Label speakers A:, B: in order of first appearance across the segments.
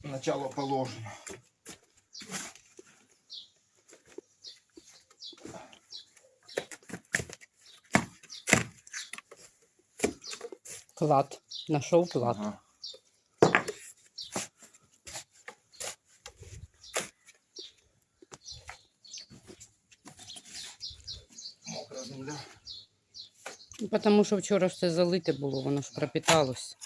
A: начало положено.
B: Клад. Нашел клад.
A: Ага. Мокра земля.
B: Тому що вчора все залите було, воно ж пропиталось.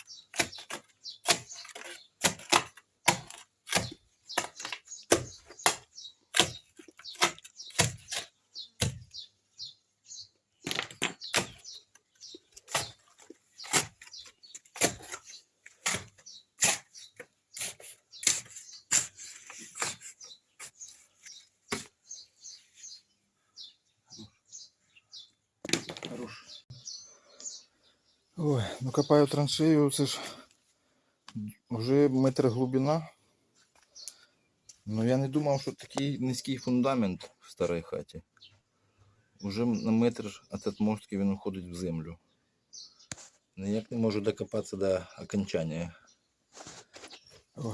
A: Хорош. Ой, ну копаю траншею, це ж вже метр глибина. Ну я не думав, що такий низький фундамент в старій хаті. Уже на метр від отмостки він уходить в землю. Ніяк не можу докопатися до окончання. Ой.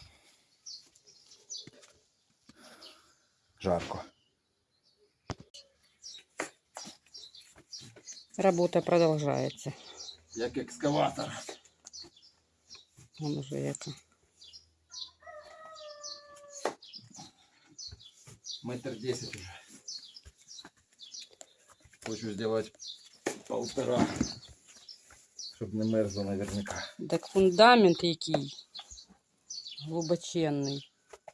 A: Жарко.
B: Работа продолжается.
A: Як екскаватор.
B: Вон уже яка.
A: Метр 10 уже. Хочу сделать 1,5, щоб не мерзло наверняка.
B: Так фундамент який глибоченний.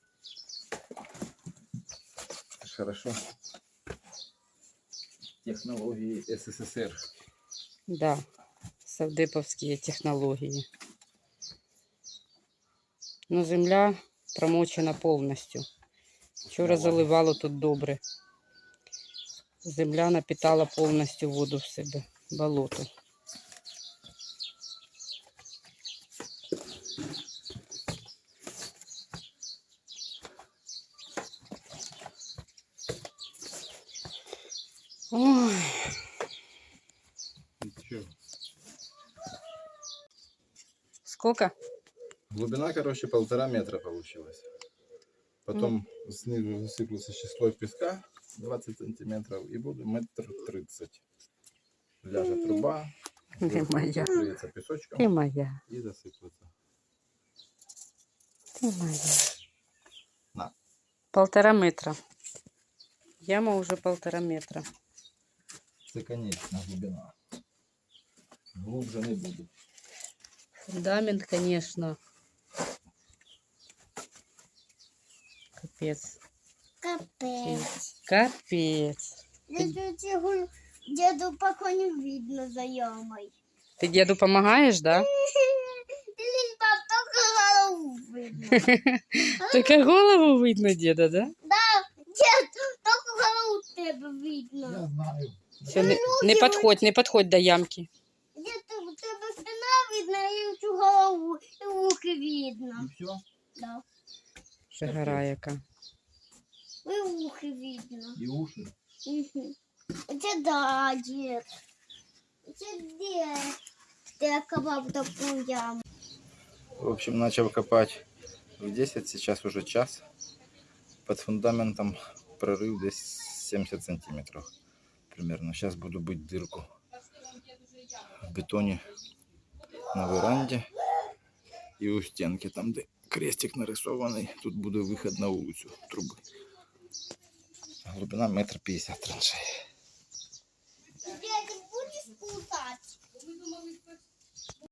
A: Хорошо. Технологии СССР.
B: Да, совдеповські технології. Ну, земля промочена повністю. Вчора заливало тут добре. Земля напитала повністю воду в себе, болото. Ой. Сколько?
A: Глубина, короче, 1,5 метра получилась. Потом снизу засыплется еще слой песка 20 сантиметров и буду 1,30 м. Ляжет труба,
B: Ты моя.
A: покроется песочком
B: Ты моя.
A: и засыплется.
B: Ты моя.
A: На.
B: 1,5 метра. Яма уже 1,5 метра.
A: Это конечная глубина. Глубже не буду.
B: Фундамент, конечно. Капец.
C: Капець.
B: Капец.
C: Діду поки не видно за ямою.
B: Ты деду помогаешь, да?
C: Лінь, пап, тільки голову видно.
B: Только голову видно деда, да?
C: Да, дід, тільки голову в тебе видно.
A: знаю.
B: Все, не подходь до ямки.
C: Дід, у тебе спина видно, і цю голову, і вухи видно.
A: И все?
C: Да.
B: Ще гора яка.
C: І вухи видно.
A: И уши?
C: Угу. Це да, дід. Це де? Ти копав таку яму.
A: В общем, начал копать в 10, сейчас уже час. Под фундаментом прорыв здесь 70 сантиметров примерно. Сейчас буду бить дырку в бетоне на веранде и у стенки, там где крестик нарисованный. Тут буде выход на улицу трубы. Глубина 1,50 м траншеи.